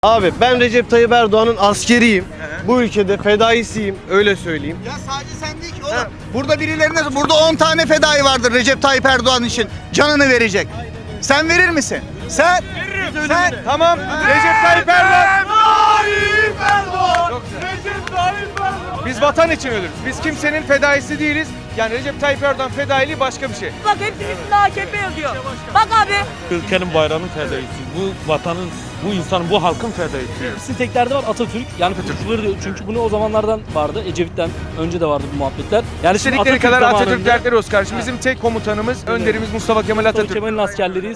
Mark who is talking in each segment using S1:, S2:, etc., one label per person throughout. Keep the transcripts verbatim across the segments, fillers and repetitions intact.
S1: Abi ben Recep Tayyip Erdoğan'ın askeriyim. Hı hı. Bu ülkede fedaisiyim, öyle söyleyeyim.
S2: Ya sadece sen değil ki oğlum. Ha. Burada birilerine, burada on tane fedai vardır Recep Tayyip Erdoğan için. Canını verecek. Sen verir misin? Sen? Veririm. Sen?
S3: Tamam. Recep Tayyip Erdoğan.
S2: Tayyip Erdoğan.
S3: Recep Tayyip Erdoğan. Biz vatan için ölürüz. Biz kimsenin fedaisi değiliz. Yani Recep Tayyip Erdoğan fedailiği başka bir şey.
S4: Bak hepsi üstüne A K P yazıyor. Bak abi.
S5: Ülkenin bayrağının fedaisi. Bu vatanın, bu insanın, bu halkın fedaisi.
S6: Hepsinin tek derdi var Atatürk. Yani kurtuluşları diyor. Çünkü bunu o zamanlardan vardı. Ecevit'ten önce de vardı bu muhabbetler. Yani şimdi
S3: İstedikleri
S6: Atatürk
S3: kadar Atatürk
S6: zamanında
S3: dertleri olsun kardeşim. Bizim tek komutanımız, önderimiz Mustafa Kemal
S6: Mustafa
S3: Atatürk.
S6: Kemal'in askerleriyiz.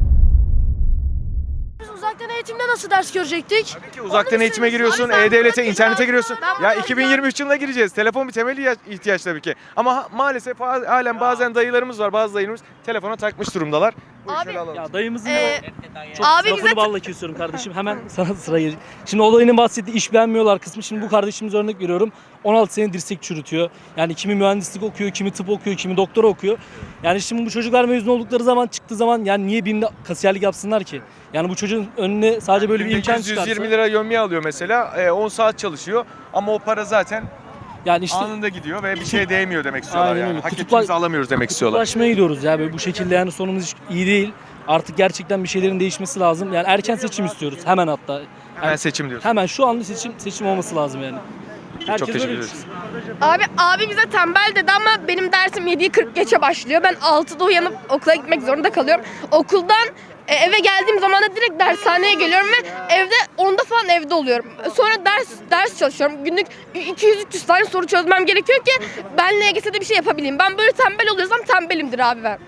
S7: Biz uzaktan eğitimde nasıl ders görecektik?
S3: Tabii ki uzaktan
S7: Onu
S3: eğitime
S7: biz-
S3: giriyorsun,
S7: Abi ben
S3: E-Devlet'e,
S7: bunu
S3: internete
S7: hatırlıyorum.
S3: giriyorsun.
S7: Ben bunu
S3: Ya iki bin yirmi üç yılına gireceğiz. Telefon bir temel ihtiyaç- ihtiyaç tabii ki. Ama ha- maalesef ha- halen bazen dayılarımız var, bazı dayılarımız telefona takmış durumdalar. Buyur
S7: Abi,
S3: şöyle alalım.
S6: Ya dayımızın
S7: Ee,
S6: o çok
S7: abi
S6: lafını
S7: bize-
S6: balla kesiyorum kardeşim. Hemen sana sıra gelecek. Şimdi olayının bahsettiği iş beğenmiyorlar kısmı. Şimdi bu kardeşimize örnek veriyorum. on altı sene dirsek çürütüyor. Yani kimi mühendislik okuyor, kimi tıp okuyor, kimi doktora okuyor. Yani şimdi bu çocuklar mezun oldukları zaman, çıktığı zaman yani niye BİM'de kasiyerlik yapsınlar ki? Yani bu çocuğun önüne sadece böyle bir imkan
S3: yüz
S6: çıkarsa.
S3: yirmi lira yövmiye alıyor mesela. E, on saat çalışıyor ama o para zaten
S6: Yani işte
S3: anında gidiyor ve bir şey değmiyor demek istiyorlar.
S6: Aynen
S3: Yani.
S6: öyle.
S3: Hak
S6: Kutupla-
S3: ettiğimizi alamıyoruz demek istiyorlar.
S6: kutuplaşmaya gidiyoruz ya böyle bu şekilde, yani sonumuz hiç iyi değil. Artık gerçekten bir şeylerin değişmesi lazım. Yani erken seçim istiyoruz. Hemen hatta.
S3: Hemen
S6: Yani
S3: seçim diyorsun.
S6: hemen şu anda seçim seçim olması lazım yani. Herkes
S3: Çok teşekkür
S6: öyle
S3: ederiz.
S6: düşünüyor.
S7: Abi abi bize tembel dedi ama benim dersim yediyi kırk geçe başlıyor. Ben altıda uyanıp okula gitmek zorunda kalıyorum. Okuldan e, eve geldiğim zaman da direkt dershaneye geliyorum ve evde onda falan evde oluyorum. Sonra ders ders çalışıyorum. Günlük iki yüz üç yüz tane soru çözmem gerekiyor ki ben L G S'de bir şey yapabileyim. Ben böyle tembel oluyorsam tembelimdir abi ben.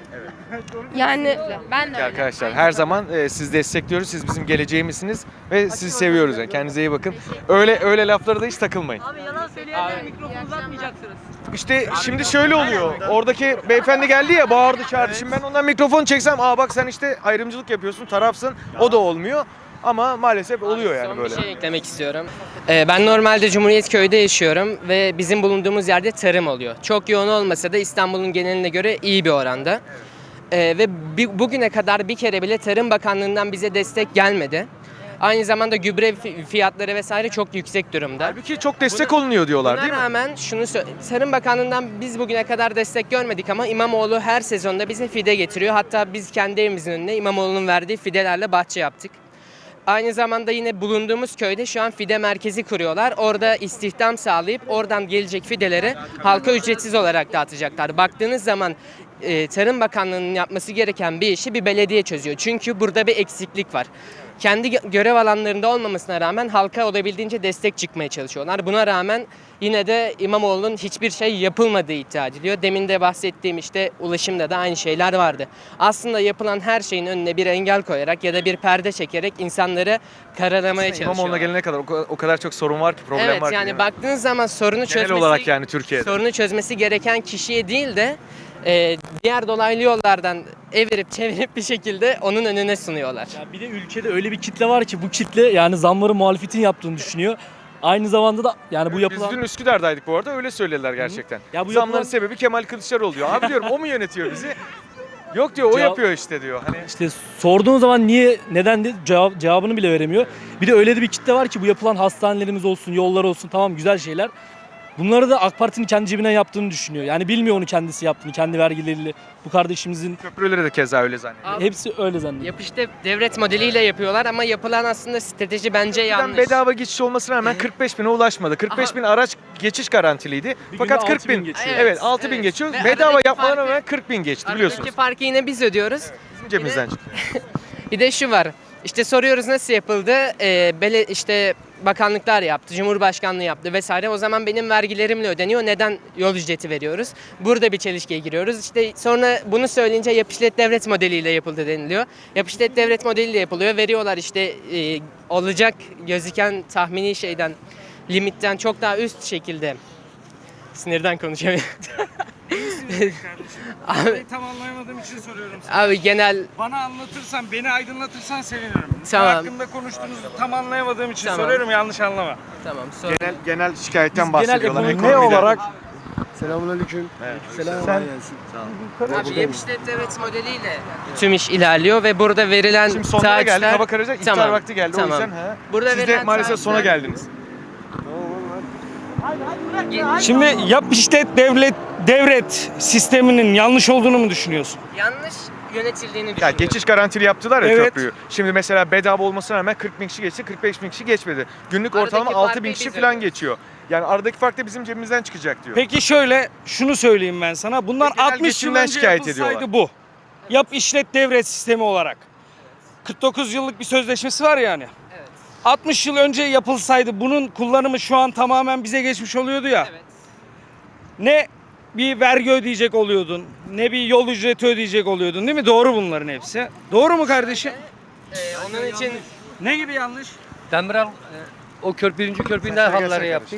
S7: Yani ben de öyle.
S3: Arkadaşlar her zaman e, sizi destekliyoruz. Siz bizim geleceğimizsiniz ve sizi seviyoruz. Yani. Kendinize iyi bakın. Öyle öyle laflara da hiç takılmayın.
S4: Abi yalan söyleyenlere mikrofonu uzatmayacaksınız.
S3: İşte şimdi şöyle oluyor. Oradaki beyefendi geldi ya, bağırdı çağırdı. Şimdi ben ondan mikrofonu çeksem, aa bak sen işte ayrımcılık yapıyorsun, tarafsın. O da olmuyor. Ama maalesef oluyor yani
S8: Son
S3: böyle.
S8: bir şey eklemek istiyorum. Ee, ben normalde Cumhuriyet Köy'de yaşıyorum ve bizim bulunduğumuz yerde tarım oluyor. Çok yoğun olmasa da İstanbul'un geneline göre iyi bir oranda. Ee, ve bi- bugüne kadar bir kere bile Tarım Bakanlığı'ndan bize destek gelmedi. Aynı zamanda gübre fi- fiyatları vesaire çok yüksek durumda.
S3: Halbuki çok destek olunuyor diyorlar
S8: Buna
S3: değil mi?
S8: rağmen şunu sö- Tarım Bakanlığı'ndan biz bugüne kadar destek görmedik ama İmamoğlu her sezonda bize fide getiriyor. Hatta biz kendi evimizin önüne İmamoğlu'nun verdiği fidelerle bahçe yaptık. Aynı zamanda yine bulunduğumuz köyde şu an fide merkezi kuruyorlar. Orada istihdam sağlayıp oradan gelecek fideleri halka ücretsiz olarak dağıtacaklar. Baktığınız zaman e, Tarım Bakanlığı'nın yapması gereken bir işi bir belediye çözüyor. Çünkü burada bir eksiklik var. Kendi gö- görev alanlarında olmamasına rağmen halka olabildiğince destek çıkmaya çalışıyorlar. Buna rağmen yine de İmamoğlu'nun hiçbir şey yapılmadığı iddia ediliyor. Demin de bahsettiğim işte ulaşımda da aynı şeyler vardı. Aslında yapılan her şeyin önüne bir engel koyarak ya da bir perde çekerek insanları karalamaya
S3: İmamoğlu'na
S8: çalışıyorlar.
S3: gelene kadar o kadar, o kadar çok sorun var ki, problem
S8: Evet
S3: var ki.
S8: yani baktığınız zaman sorunu
S3: Genel
S8: çözmesi
S3: olarak yani Türkiye'de.
S8: sorunu çözmesi gereken kişiye değil de e, diğer dolaylı yollardan evirip çevirip bir şekilde onun önüne sunuyorlar.
S6: Ya bir de ülkede öyle bir kitle var ki bu kitle yani zamları muhalefetin yaptığını düşünüyor. Aynı zamanda da yani bu
S3: Biz
S6: yapılan
S3: dün Üsküdar'daydık bu arada, öyle söylediler gerçekten.
S6: Ya bu
S3: Zamların
S6: yapılan-
S3: sebebi Kemal Kılıçdaroğlu diyor. Abi diyorum o mu yönetiyor bizi? Yok diyor, o
S6: Cevap-
S3: yapıyor işte diyor. Hani
S6: işte sorduğun zaman niye, neden de cevap, cevabını bile veremiyor. Bir de öyle de bir kitle var ki bu yapılan hastanelerimiz olsun, yollar olsun, tamam güzel şeyler. Bunları da AK Parti'nin kendi cebinden yaptığını düşünüyor. Yani bilmiyor onu kendisi yaptığını, kendi vergileriyle. Bu kardeşimizin
S3: köprüleri de keza öyle zannediyor.
S8: Abi,
S6: hepsi öyle zannediyor.
S8: yapışta devlet modeliyle yapıyorlar ama yapılan aslında strateji bence
S3: Ben
S8: yanlış.
S3: bedava geçiş olmasına rağmen kırk beş bine ulaşmadı. kırk beş bin araç geçiş garantiliydi.
S6: Bir
S3: Fakat
S6: günde
S3: kırk
S6: altı bin
S3: bin
S6: geçiyor.
S3: evet, altı bin
S8: evet.
S3: geçiyor.
S8: Ve
S3: Bedava
S8: aradaki
S3: yapmalarına
S8: farkı-
S3: rağmen kırk bin geçti
S8: Aradaki
S3: biliyorsunuz.
S8: farkı yine biz ödüyoruz.
S3: Bizim cebimizden çıkıyor.
S8: Bir de şu var. İşte soruyoruz nasıl yapıldı? Ee, bele, işte bakanlıklar yaptı, Cumhurbaşkanlığı yaptı vesaire. O zaman benim vergilerimle ödeniyor. Neden yol ücreti veriyoruz? Burada bir çelişkiye giriyoruz. İşte sonra bunu söyleyince yap işlet devlet modeliyle yapıldı deniliyor. Yap işlet devlet modeliyle yapılıyor. Veriyorlar işte e, olacak gözüken tahmini şeyden, limitten çok daha üst şekilde. Sinirden konuşamıyorum. Abi,
S9: Tam anlayamadığım için soruyorum sana.
S8: abi genel
S9: Bana anlatırsan, beni aydınlatırsan sevinirim.
S8: Tamam.
S9: Ne hakkında konuştuğunuzu tam anlayamadığım için
S8: Tamam.
S9: soruyorum, yanlış anlama.
S8: tamam sor.
S3: Genel genel şikayetten
S6: Biz genel
S3: bahsediyorlar.
S6: ekonomi-
S3: ekonomiden.
S5: Ne olarak
S1: Selamünaleyküm. Selam.
S3: Sen-
S8: Abi yap işlet devlet modeliyle tüm iş ilerliyor ve burada verilen
S3: Şimdi sonlara geldik.
S8: taahhütler-
S3: Hava kararacak. İftar
S8: Tamam,
S3: vakti geldi.
S8: tamam.
S3: O yüzden he.
S8: Burada
S3: Siz de
S8: verilen
S3: maalesef sona
S8: taahhütler-
S3: geldiniz.
S5: Şimdi yap işlet devlet devret sisteminin yanlış olduğunu mu düşünüyorsun?
S8: Yanlış yönetildiğini
S3: Ya
S8: düşünüyorum.
S3: geçiş garantili yaptılar ya
S5: Evet.
S3: köprüyü. Şimdi mesela bedava olmasına rağmen kırk bin kişi geçti, kırk beş bin kişi geçmedi. Günlük
S8: Aradaki
S3: ortalama altı bin
S8: farkı
S3: kişi
S8: biz
S3: falan
S8: ödüyoruz.
S3: geçiyor. Yani aradaki fark da bizim cebimizden çıkacak diyor.
S5: Peki şöyle şunu söyleyeyim ben sana. Bunlar
S3: Genel
S5: altmış yıl
S3: geçimden
S5: önce
S3: şikayet
S5: yapılsaydı
S3: ediyorlar.
S5: bu. Yap işlet devret sistemi olarak. kırk dokuz yıllık bir sözleşmesi var yani.
S8: Evet.
S5: altmış yıl önce yapılsaydı bunun kullanımı şu an tamamen bize geçmiş oluyordu ya.
S8: Evet.
S5: Ne bir vergi ödeyecek oluyordun, ne bir yol ücreti ödeyecek oluyordun değil mi? Doğru bunların hepsi. Doğru mu kardeşim?
S8: Ee, onun için
S5: Ne gibi yanlış?
S10: Demirel e, o kör birinci köpründen halları yaptı.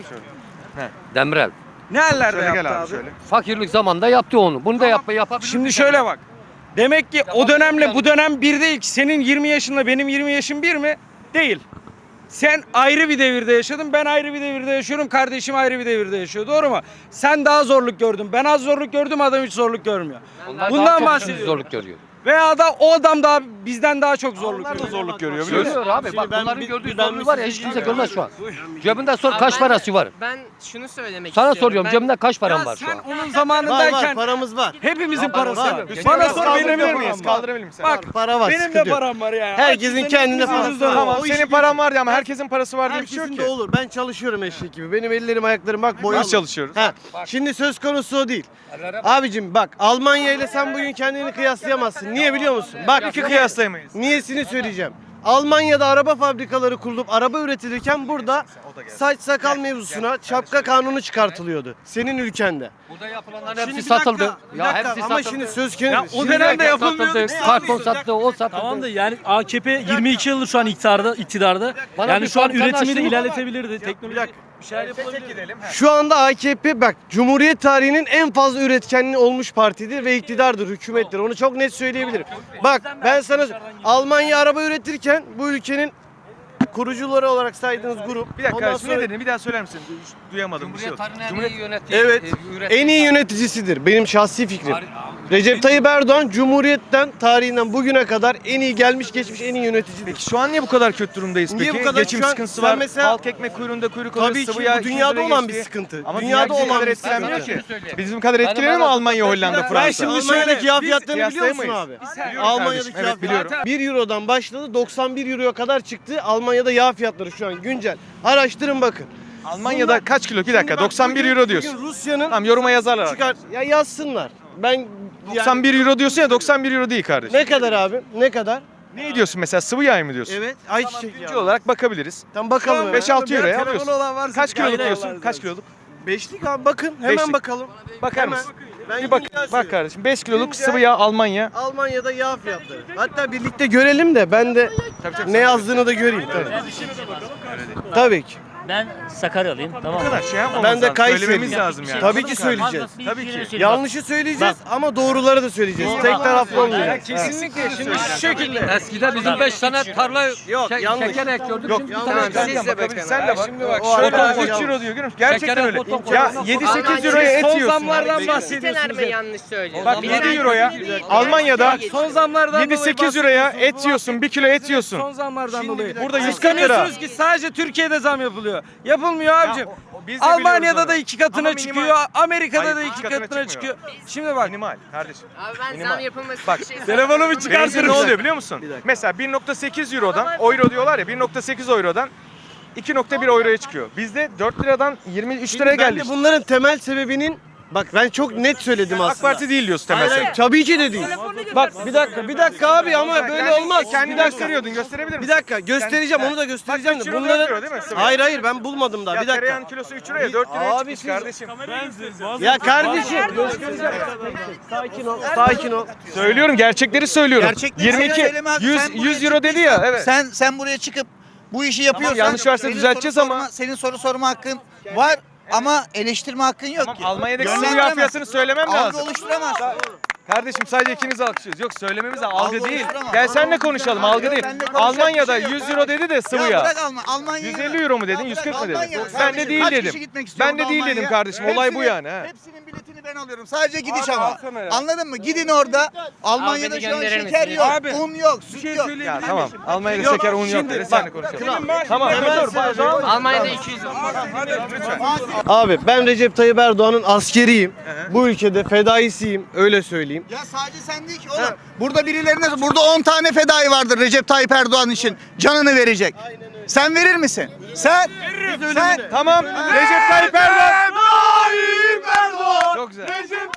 S10: Demirel.
S5: Ne ellerde
S3: Şöyle
S5: yaptı
S3: gel abi,
S5: abi?
S3: şöyle.
S10: Fakirlik zamanında yaptı onu. Bunu da yapma yapabilir.
S5: Şimdi şöyle bak. Demek ki o dönemle bu dönem bir değil ki. Senin yirmi yaşınla benim yirmi yaşım bir mi? Değil. Sen ayrı bir devirde yaşadın, ben ayrı bir devirde yaşıyorum, kardeşim ayrı bir devirde yaşıyor. Doğru mu? Sen daha zorluk gördün, ben az zorluk gördüm, adam hiç zorluk görmüyor.
S10: Onlar
S5: Bundan
S10: daha çok
S5: bahsediyorum.
S10: zorluk görüyor.
S5: Veya da o adam daha bizden daha çok zorluk
S3: Onlar da
S5: görüyor.
S3: zorluk görüyor biliyor musun?
S10: Görüyor abi.
S1: Şimdi
S10: Bak
S1: ben
S10: bunların
S1: bir-
S10: gördüğü
S1: ben
S10: zorluğu var ya
S1: bir
S10: hiç
S1: şey
S10: kimse
S1: diyeceğim.
S10: görmez şu an. Cebinden sor
S8: Abi
S10: kaç
S8: ben-
S10: parası var?
S8: Ben şunu söylemek
S10: Sana
S8: istiyorum.
S10: soruyorum
S8: Ben-
S10: cebinde kaç paran
S5: Ya
S10: var şu
S5: sen
S10: an?
S5: onun
S1: Var var
S5: zamanındayken
S1: paramız var.
S5: hepimizin parası
S1: var.
S5: var.
S3: Hüseyin
S5: Bana
S3: biraz
S5: sor
S3: kaldırabilir
S5: benim de
S3: miyiz?
S5: param var.
S3: Kaldırabilir misin?
S5: Bak
S1: Para var.
S5: benim
S1: sıkıntı
S5: de
S1: yok.
S5: param var ya.
S1: Herkesin
S5: Herkesin
S1: kendine
S5: hepimizin
S1: parası
S5: cüzdanı
S1: var.
S3: Tamam
S1: O iş
S3: senin
S1: gücü-
S3: paran var ya ama herkesin parası var diye bir şey
S1: Herkesin
S3: yok
S1: de
S3: ki.
S1: olur. Ben çalışıyorum eşek gibi. Benim ellerim ayaklarım bak boyalı.
S3: Biz çalışıyoruz.
S1: Ha. Şimdi söz konusu o değil. Abicim bak Almanya ile sen bugün kendini kıyaslayamazsın. Niye biliyor musun? Bak
S3: İki kıyaslayamayız.
S1: niyesini söyleyeceğim. Almanya'da araba fabrikaları kurulup araba üretilirken burada saç sakal mevzusuna şapka kanunu çıkartılıyordu. Senin ülkende.
S10: Burada yapılanların
S1: Şimdi
S10: hepsi
S1: bir dakika,
S10: satıldı.
S1: bir
S10: Ya
S1: dakika,
S10: hepsi
S1: ama
S10: satıldı.
S1: şimdi söz
S5: Ya
S1: konusu.
S5: o
S1: Şimdi-
S5: dönemde yapılmıyordu.
S10: Satıldı. Karton sattı, o sattı.
S6: Tamam da yani A K P yirmi iki yıldır şu an iktidarda, iktidarda.
S10: Bana
S6: yani
S10: bir
S6: şu an
S10: fabrikanı
S6: üretimi de
S10: açtın mı?
S6: ilerletebilirdi. Teknoloji bir şeyler yapılabilirdi.
S3: Gidelim.
S1: Şu anda A K P bak Cumhuriyet tarihinin en fazla üretkenliği olmuş partidir ve iktidardır, hükümettir. Onu çok net söyleyebilirim. Bak ben sana Almanya araba üretirken bu ülkenin kurucuları olarak saydığınız grup.
S3: Bir dakika
S1: ondan
S3: kardeşim ne
S1: sonra-
S3: dedin? Bir daha söyler misin? Duyamadım bir şey yok.
S10: Cumhuriyet tarihinin en iyi
S3: Cumhuriyet
S10: yönettiği,
S1: Evet.
S10: e, ürettiği-
S1: En iyi yöneticisidir. Benim şahsi fikrim. Recep Tayyip Erdoğan Cumhuriyetten tarihinden bugüne kadar en iyi gelmiş geçmiş en iyi yöneticidir.
S3: Peki şu an niye bu kadar kötü durumdayız
S1: Niye
S3: peki?
S1: bu kadar-
S3: Geçim
S1: şu an
S3: sıkıntısı
S1: sen
S3: var.
S1: mesela-
S3: Halk ekmek kuyruğunda kuyruk alıyor.
S1: Tabii ki
S3: sıvı yağ
S1: bu
S3: iki yüz
S1: dünyada
S3: liraya
S1: olan bir
S3: geçti.
S1: sıkıntı.
S3: Ama
S1: Dünyada
S3: dünya bizim
S1: olan
S3: kadar
S1: bir
S3: etkilenmiyor
S1: sıkıntı.
S3: ki. Bizim kadar etkileniyor mu
S10: bana-
S3: Almanya, Hollanda,
S1: Ben
S3: Fransa?
S1: şimdi
S5: Almanya'daki
S1: Almanya'daki
S5: biz
S1: fiyatlarını biliyor musun
S3: kıyaslayamayız.
S1: abi?
S3: Biliyorum
S1: Almanya'daki
S3: kardeşim, evet,
S1: yağ
S3: biliyorum.
S1: fiyatı bir Euro'dan başladı doksan bir Euro'ya kadar çıktı. Almanya'da yağ fiyatları şu an güncel. Araştırın bakın.
S3: Almanya'da
S1: Bunlar-
S3: kaç kilo? Bir dakika
S1: Şimdi bak,
S3: doksan bir
S1: bugün-
S3: euro diyorsun.
S1: Bugün Rusya'nın
S3: Tamam yoruma yazarlar.
S1: çıkar ya yazsınlar. Ben
S3: doksan bir euro diyorsun ya doksan bir euro değil kardeşim.
S1: ne kadar abi? Ne kadar?
S3: Ne diyorsun mesela sıvı yağ mı diyorsun?
S1: Evet. Ayçiçek
S3: Güncel
S1: yağı.
S3: olarak bakabiliriz.
S1: Tam bakalım. hemen.
S3: beş altı euroya
S5: Telefonu
S3: alıyorsun.
S5: olan varsa
S3: Kaç
S5: bir
S3: kiloluk
S5: kayda
S3: diyorsun?
S5: yollarız
S3: Kaç
S1: abi.
S3: kiloluk?
S1: Beşlik abi bakın. Hemen
S3: Beşlik.
S1: bakalım.
S3: Bakar
S1: Hemen.
S3: mısın?
S1: Ben
S3: Bir bak,
S1: güncel
S3: bak
S1: söylüyorum.
S3: kardeşim beş kiloluk
S1: Güncel-
S3: sıvı yağ Almanya.
S1: Almanya'da yağ fiyatları. Hatta birlikte görelim de ben de ne yazdığını da göreyim tabii. Tabii ki.
S11: Ben Sakaryalıyım, tamam
S3: Bu
S11: mı?
S3: kadar şey yapmamız
S1: Ben de
S3: lazım.
S1: Kayseriyim.
S3: Söylememiz lazım yani.
S1: Tabii ki söyleyeceğiz.
S3: Tabii ki.
S1: Yanlışı söyleyeceğiz ama doğruları da söyleyeceğiz. Tek taraflı olmayacak.
S5: Kesinlikle. Şimdi şu şekilde.
S10: Eskiden bizim beş tane tarla
S1: Yok,
S10: şe-
S1: yanlış.
S10: şeker ekiyorduk.
S3: Yok,
S10: Şimdi bir
S1: yanlış.
S10: tane
S1: Tamam,
S10: ekmek.
S8: siz de
S3: bakabilirsin.
S8: bakın.
S3: Sen de bak.
S5: Şimdi bak,
S3: O
S5: şöyle
S3: adam
S5: abi,
S3: üç euro diyor görüyor musun? Gerçekten
S10: Şekerin
S3: öyle.
S10: fotoğrafı
S3: Ya
S10: fotoğrafı
S3: yedi
S10: fotoğrafı.
S3: sekiz euroya et
S5: son
S3: yiyorsun.
S5: zamlardan
S8: Siteler
S5: bahsediyorsunuz.
S8: mi yanlış söylüyor?
S3: Bak
S8: Bir
S3: yedi
S8: de-
S3: euroya
S8: Bir-
S3: Almanya'da
S5: Son zamlardan
S3: yedi sekiz euroya et yiyorsun. bir kilo et yiyorsun.
S5: Son zamlardan dolayı.
S3: Burada yüz kırk lira.
S5: Kıskanıyorsunuz ki sadece Türkiye'de zam yapılıyor. Yapılmıyor abicim.
S3: o- o biz de biliyoruz
S5: Almanya'da
S3: onu.
S5: da iki katına
S3: Ama minimal.
S5: çıkıyor. Amerika'da
S3: Hayır,
S5: da
S3: iki
S5: iki
S3: katına
S5: katına
S3: çıkmıyor.
S5: çıkıyor. Şimdi bak.
S3: Minimal kardeşim.
S8: Abi ben
S3: Minimal.
S8: zam yapılması
S3: Bak,
S8: bir şey
S5: Telefonumu
S3: Benzin
S5: çıkartırım.
S3: ne oluyor biliyor musun? Mesela bir nokta sekiz eurodan, euro diyorlar ya bir nokta sekiz eurodan iki nokta bir euroya çıkıyor. Bizde dört liradan yirmi üç liraya
S1: Ben
S3: geldi.
S1: de bunların temel sebebinin bak ben çok net söyledim aslında.
S3: AK Parti değil diyorsun temel
S1: Hayır, hayır,
S3: sebep.
S1: tabii ki de değil. Bak bir dakika bir dakika abi ama böyle olmaz.
S3: Kendini
S1: Bir dakika.
S3: gösteriyordun gösterebilir
S1: Bir
S3: misin?
S1: dakika göstereceğim onu da göstereceğim
S3: Bak,
S1: de
S3: üç euro,
S1: bunların
S3: dört euro değil mi? Sıvı.
S1: Hayır hayır ben bulmadım daha
S3: Ya
S1: bir dakika.
S3: tereyağın kilosu üç liraya dört liraya
S1: Abi
S3: çıkmış
S1: siz-
S3: kardeşim.
S1: Ya kardeşim göstereceğim. Sakin ol. Sakin ol.
S3: Söylüyorum gerçekleri söylüyorum.
S2: Gerçekleri
S3: yirmi iki
S2: söyleme abi.
S3: yüz
S2: Sen buraya
S3: yüz euro dedi ya evet.
S2: Sen sen buraya çıkıp bu işi yapıyorsan
S3: yanlış varsa
S2: senin
S3: düzelteceğiz
S2: soru
S3: ama-
S2: sorma- senin soru sorma hakkın var ama eleştirme hakkın yok
S3: Tamam,
S2: ki.
S3: Almanya'daki sıvı yağ
S2: Yönlendiremez.
S3: fiyatını söylemem
S2: Algı
S3: lazım.
S2: oluşturamaz.
S3: Kardeşim sadece ikiniz alkışlıyoruz. Yok söylememiz lazım. Algı
S2: Algı
S3: değil.
S2: oluştur ama.
S3: Gel senle konuşalım.
S2: Algı
S3: Algı
S2: yok,
S3: değil.
S2: benimle konuşacak
S3: Almanya'da
S2: bir şey yok
S3: yüz euro dedi de sıvı ya.
S2: bırak Alman, Almanya'yı
S3: yüz
S2: bırak.
S3: elli euro mu
S2: Ya
S3: dedin?
S2: bırak
S3: yüz kırk mı
S2: Almanya.
S3: dedin? Ben de
S2: Kardeşim,
S3: değil
S2: kaç
S3: dedim.
S2: kişi gitmek istiyor
S3: Ben de
S2: orada
S3: değil dedim
S2: Almanya'ya?
S3: kardeşim. Olay bu
S2: Hepsinin-
S3: yani. ha.
S2: Hepsinin biletini ben alıyorum. Sadece gidiş
S9: Abi,
S2: ama.
S9: alsana ya.
S2: Anladın mı? Gidin orada. Almanya'da
S8: beni
S2: şu an
S8: gönderir
S2: şeker
S8: misiniz?
S2: yok,
S9: Abi,
S2: un yok,
S9: Bir
S2: süt
S9: şey
S2: yok.
S9: söyleyebilir
S3: Ya
S9: miyim?
S3: tamam. Almanya'da
S2: Yok,
S3: şeker un yok
S2: şimdi
S3: dedi.
S2: bak,
S3: Senle konuşalım.
S9: Benim maaşım
S3: Tamam
S9: ne?
S3: dur dur.
S8: Almanya'da iki yüz.
S1: Abi ben Recep Tayyip Erdoğan'ın askeriyim. Bu ülkede fedaisiyim. Öyle söyleyeyim.
S2: Ya sadece sen değil ki oğlum. Burada birilerine burada on tane fedai vardır Recep Tayyip Erdoğan için. Canını verecek. Sen verir misin? Sen? Sen?
S3: Tamam. Recep Tayyip Erdoğan. Çok güzel.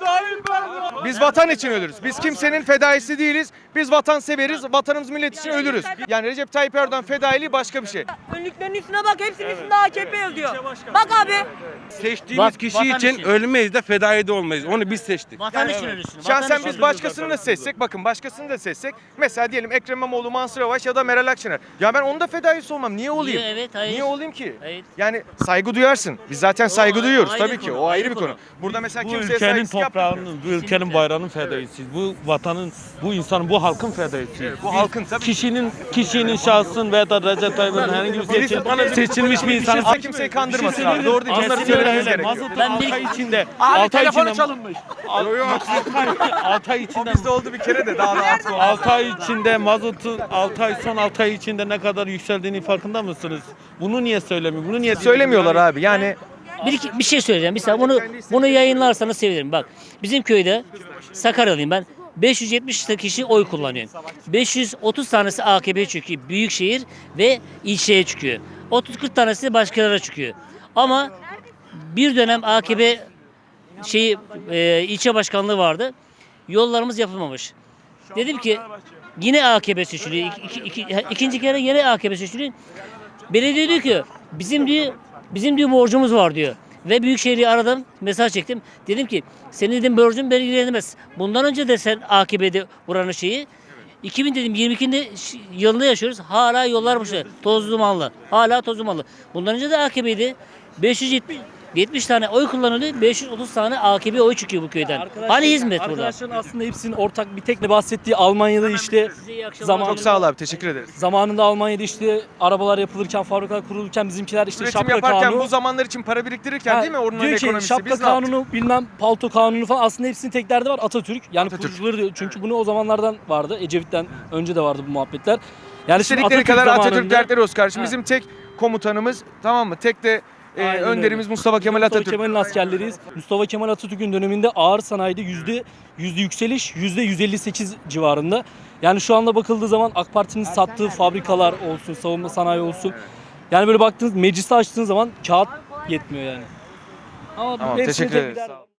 S3: Biz vatan için ölürüz. Biz kimsenin fedaisi değiliz. Biz vatan severiz. Vatanımız millet için ölürüz. Yani Recep Tayyip Erdoğan fedailiği başka bir şey.
S4: Önlüklerin üstüne bak, hepsinin üstünde A K P yazıyor. Bak abi.
S9: Seçtiğimiz kişi
S11: vatan
S9: için
S11: için.
S9: ölmeyiz de fedai de olmayız. Onu biz seçtik.
S11: Vatan için ölürsün.
S3: Şahsen
S11: vatan
S3: biz
S11: için.
S3: başkasını da seçsek, bakın başkasını da seçsek. Mesela diyelim Ekrem İmamoğlu, Mansur Yavaş ya da Meral Akşener. Ya ben onun da fedaisi olmam. Niye olayım?
S11: Niye? Evet, hayır.
S3: Niye olayım ki?
S11: Hayır.
S3: Yani saygı duyarsın. Biz zaten saygı
S11: ayrı-
S3: duyuyoruz
S11: ayrı
S3: tabii ki.
S11: konu,
S3: O ayrı
S11: ayrı
S3: bir konu.
S11: konu.
S3: Burada mesela
S12: Bu
S3: kimseye
S12: ülkenin
S3: saygısızlık yapmıyoruz.
S12: toprağının, bu ülkenin bayrağının fedaisiyiz. Bu vatanın, bu insanın, bu halkın fedaisiyiz.
S3: Bu halkın tabii.
S12: Kişinin, kişinin şahsın veya da Recep Tayyip'in herhangi bir seçil, seçilmiş bir insan.
S3: Kimse kimseyi kandırmasın abi. Doğru değil. Bunları
S12: Kesinlikle
S3: söylememiz
S12: öyle.
S3: gerekiyor.
S12: Mazotun
S11: Ben
S12: altı
S11: bir-
S12: ay içinde. altı ay içinde. çalınmış. altı ay içinde.
S3: Bizde oldu bir kere de daha da artık oldu.
S12: altı ay içinde mazotun altı ay son altı ay içinde ne kadar yükseldiğini farkında mısınız? Bunu niye söylemiyor? Bunu niye
S3: Söylemiyorlar abi. Yani
S11: Bir, iki- bir şey söyleyeceğim. Bir saniye. Bunu, bunu yayınlarsanız sevinirim. Bak bizim köyde Sakaryalıyım ben. beş yüz yetmiş kişi oy kullanıyor. beş yüz otuz tanesi A K P'ye çıkıyor. Büyükşehir ve ilçeye çıkıyor. otuz kırk tanesi de başkalarına çıkıyor. Ama bir dönem A K P şey e, ilçe başkanlığı vardı. Yollarımız yapılmamış. Dedim ki yine A K P seçiliyor. İki, iki, iki, ikinci kere yine A K P seçiliyor. Belediye diyor ki bizim diyor bizim diyor borcumuz var diyor. Ve Büyükşehir'i aradım, mesaj çektim. Dedim ki senin dedim borcun beni ilgilendirmez. Bundan önce de sen A K P'de buranın şeyi iki bin dedim yirmi ikide ş- yılında yaşıyoruz. Hala yollar boşu. Tozlu dumanlı. Hala tozlu dumanlı. Bundan önce de A K P'ydi. beş yüz yetmiş yetmiş tane oy kullanılıyor. beş yüz otuz tane A K P oy çıkıyor bu köyden. Hani hizmet burada?
S6: Arkadaşların aslında hepsinin ortak bir tekle bahsettiği Almanya'da işte
S11: Size iyi akşamlar.
S6: zaman
S3: çok sağ ol abi. Teşekkür ederiz.
S6: zamanında Almanya'da işte arabalar yapılırken, fabrikalar kurulurken bizimkiler işte
S3: Üretim
S6: şapka
S3: yaparken
S6: kanunu.
S3: bu zamanlar için para biriktirirken
S6: Ha,
S3: değil mi? Onun
S6: diyor ki
S3: ekonomisi.
S6: şapka
S3: Biz ne yaptık?
S6: kanunu bilmem palto kanunu falan aslında hepsinin tek derdi var Atatürk. Yani
S3: Atatürk.
S6: kurucuları diyor. Çünkü bunu o zamanlardan vardı. Ecevit'ten önce de vardı bu muhabbetler. Yani şimdi
S3: İstedikleri kadar Atatürk
S6: zamanında-
S3: dertleri olsun kardeşim.
S6: Ha.
S3: Bizim tek komutanımız, tamam mı? Tek de e,
S6: Aynen
S3: önderimiz
S6: öyle.
S3: Mustafa Kemal
S6: Mustafa
S3: Atatürk.
S6: Kemal'in askerleriyiz. Mustafa Kemal Atatürk'ün döneminde ağır sanayide yüzde yüzde yükseliş yüzde yüz elli sekiz civarında. Yani şu anda bakıldığı zaman AK Parti'nin sattığı fabrikalar olsun, savunma sanayi olsun. Yani böyle baktığınız meclisi açtığınız zaman kağıt yetmiyor yani. Ama
S3: Tamam,
S6: hepsinin
S3: teşekkür
S6: tek bir
S3: ederiz.
S6: derdi
S3: Sağ ol.
S6: var.